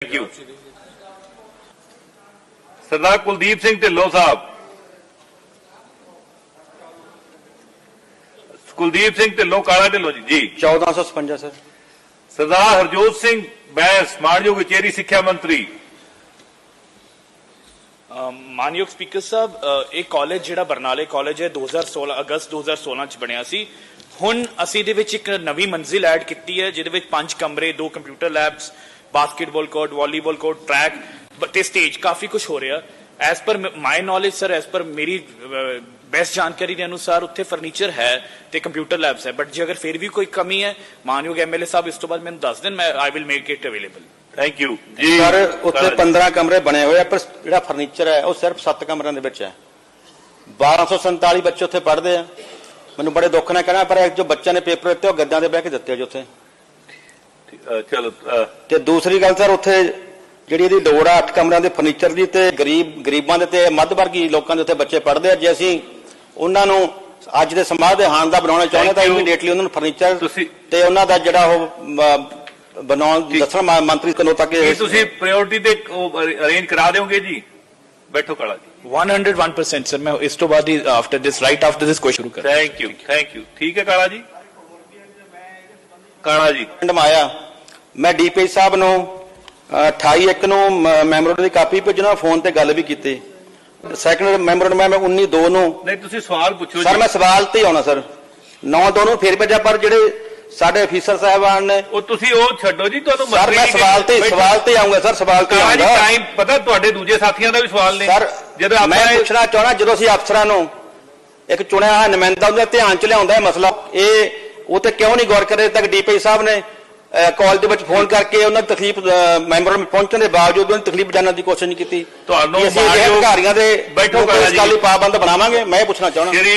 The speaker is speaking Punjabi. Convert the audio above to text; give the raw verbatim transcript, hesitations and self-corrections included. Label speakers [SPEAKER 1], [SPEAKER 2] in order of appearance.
[SPEAKER 1] Thank you. सरदार कुलदीप सिंह ढिल्लों साहब। कुलदीप सिंह ढिल्लों, काला ढिल्लों जी जी
[SPEAKER 2] चौदह सौ छपंजा सर।
[SPEAKER 1] सरदार हरजोत सिंह बैंस, मानयोग उचेरी सिक्ख्या मंत्री।
[SPEAKER 3] मानयोग स्पीकर साहब, एक कॉलेज जिहड़ा बरनाले कॉलेज है दो हज़ार सोलह अगस्त दो हज़ार सोलह च बनिया सी। हुण असीं दे विच एक नवी मंजिल ऐड कीती है जिहदे विच पांच कमरे, दो computer labs, basketball court, volleyball court, track ते स्टेज, काफी कुछ हो रहा। As per my knowledge sir, as per मेरी बेस्ट जानकारी के अनुसार उत्थे फर्नीचर है ते कंप्यूटर लैब्स है, बट जे अगर फिर भी कोई कमी है मानयोग एम एल ए साहब इस तो बाद मैंने दस दिन मैं I will make it available.
[SPEAKER 1] Thank you
[SPEAKER 2] जी सर। उत्थे पंद्रह कमरे बने हुए पर जिहड़ा फर्नीचर है वो सिर्फ सत्त कमरिਆਂ ਦੇ ਵਿੱਚ है। बारह सौ संताली बच्चे उत्थे पढ़ते हैं। मैनूं बड़े दुख नाल कहना पर जो बच्चों ने पेपर दिते गद्दां ते बह के दिते जो उत्थे।
[SPEAKER 1] चलो
[SPEAKER 2] ते दूसरी गल सर उत्थे ਜਿਹੜੀ ਇਹਦੀ ਲੋੜ ਆ ਅੱਠ ਕਮਰਿਆਂ ਦੇ ਫਰਨੀਚਰ ਦੀ ਤੇ ਗਰੀਬ ਗਰੀਬਾਂ ਦੇ ਤੇ ਮੱਧ ਵਰਗੀ ਲੋਕਾਂ ਦੇ ਉੱਤੇ ਬੱਚੇ ਪੜ੍ਹਦੇ ਆ। ਜੇ ਅਸੀਂ ਉਹਨਾਂ ਨੂੰ ਅੱਜ ਦੇ ਸਮਾਜ ਦੇ ਹਾਣ ਦਾ ਬਣਾਉਣਾ ਚਾਹੁੰਦੇ ਤਾਂ ਇਮੀਡੀਏਟਲੀ ਉਹਨਾਂ ਨੂੰ ਫਰਨੀਚਰ ਤੇ ਉਹਨਾਂ ਦਾ ਜਿਹੜਾ ਉਹ ਬਣਾਉਣ ਦੱਸਣ ਮੰਤਰੀ ਕੋਲੋਂ ਤੱਕ
[SPEAKER 1] ਇਹ ਤੁਸੀਂ ਪ੍ਰਾਇੋਰਟੀ ਤੇ ਅਰੇਂਜ ਕਰਾ ਦਿਓਗੇ ਜੀ। ਬੈਠੋ ਕਾਲਾ ਜੀ।
[SPEAKER 3] one hundred one percent sir, ਮੈਂ ਇਸ ਤੋਂ ਬਾਅਦ ਹੀ after this right after this question ਸ਼ੁਰੂ ਕਰਾਂ।
[SPEAKER 1] Thank you thank you. ਠੀਕ ਹੈ ਕਾਲਾ ਜੀ। ਕਾਲਾ ਜੀ
[SPEAKER 2] ਮਾਇਆ ਮੈਂ ਡੀਪੀ ਸਾਹਿਬ ਨੂੰ अठाई एक ਨੂੰ ਮੈਮੋਰੰਡਮ ਦੀ ਕਾਪੀ ਭੇਜਣਾ, ਫੋਨ ਤੇ ਗੱਲ ਵੀ ਕੀਤੀ। ਸੈਕੰਡ ਮੈਮੋਰੰਡਮ ਮੈਂ ਉੱਨੀ ਦੋ ਨੂੰ
[SPEAKER 1] ਨਹੀਂ ਤੁਸੀਂ ਸਵਾਲ ਪੁੱਛੋ
[SPEAKER 2] ਸਰ। ਮੈਂ ਸਵਾਲ ਤੇ ਆਉਣਾ ਸਰ। ਨੌ ਦੋ ਨੂੰ ਫੇਰ ਭੇਜਿਆ ਪਰ ਜਿਹੜੇ ਸਾਡੇ ਅਫੀਸਰ ਸਾਹਿਬਾਨ ਨੇ
[SPEAKER 1] ਉਹ ਤੁਸੀਂ ਉਹ ਛੱਡੋ ਜੀ। ਤੁਹਾਨੂੰ
[SPEAKER 2] ਸਰ ਮੈਂ ਸਵਾਲ ਤੇ ਸਵਾਲ ਤੇ ਆਉਂਗਾ ਸਰ। ਸਵਾਲ ਤੇ ਆਉਂਗਾ।
[SPEAKER 1] ਟਾਈਮ ਪਤਾ ਤੁਹਾਡੇ ਦੂਜੇ ਸਾਥੀਆਂ ਦਾ ਵੀ ਸਵਾਲ ਨੇ
[SPEAKER 2] ਸਰ।
[SPEAKER 1] ਜਦੋਂ
[SPEAKER 2] ਮੈਂ ਪੁੱਛਣਾ ਚਾਹਣਾ ਜਦੋਂ ਅਸੀਂ ਅਫਸਰਾਂ ਨੂੰ ਇੱਕ ਚੁਣਿਆ ਹੋਇਆ ਨੁਮਾਇੰਦਾ ਉਹਦੇ ਧਿਆਨ ਚ ਲਿਆਉਂਦਾ ਹੈ ਮਸਲਾ, ਇਹ ਉਹ ਤੇ ਕਿਉਂ ਨਹੀਂ ਗੌਰ ਕਰੇ ਤੱਕ ਡੀਪੀ ਸਾਹਿਬ ਨੇ ਕਾਲ ਦੇ ਵਿੱਚ ਫੋਨ ਕਰਕੇ ਉਹਨਾਂ ਦੀ ਤਕਲੀਫ ਮੈਂਬਰਾਂ ਨੂੰ ਪਹੁੰਚਣ ਦੇ ਬਾਵਜੂਦ ਉਹਨਾਂ ਦੀ ਤਕਲੀਫ ਜਾਣਨ ਦੀ ਕੋਸ਼ਿਸ਼ ਨਹੀਂ ਕੀਤੀ।
[SPEAKER 1] ਤੁਹਾਨੂੰ
[SPEAKER 2] ਅਸੀਂ ਅਧਿਕਾਰੀਆਂ ਦੇ
[SPEAKER 1] ਬੈਠੋ
[SPEAKER 2] ਇਸ ਗੱਲ ਲਈ ਪਾਬੰਦ ਬਣਾਵਾਂਗੇ। ਮੈਂ ਇਹ ਪੁੱਛਣਾ ਚਾਹੁੰਦਾ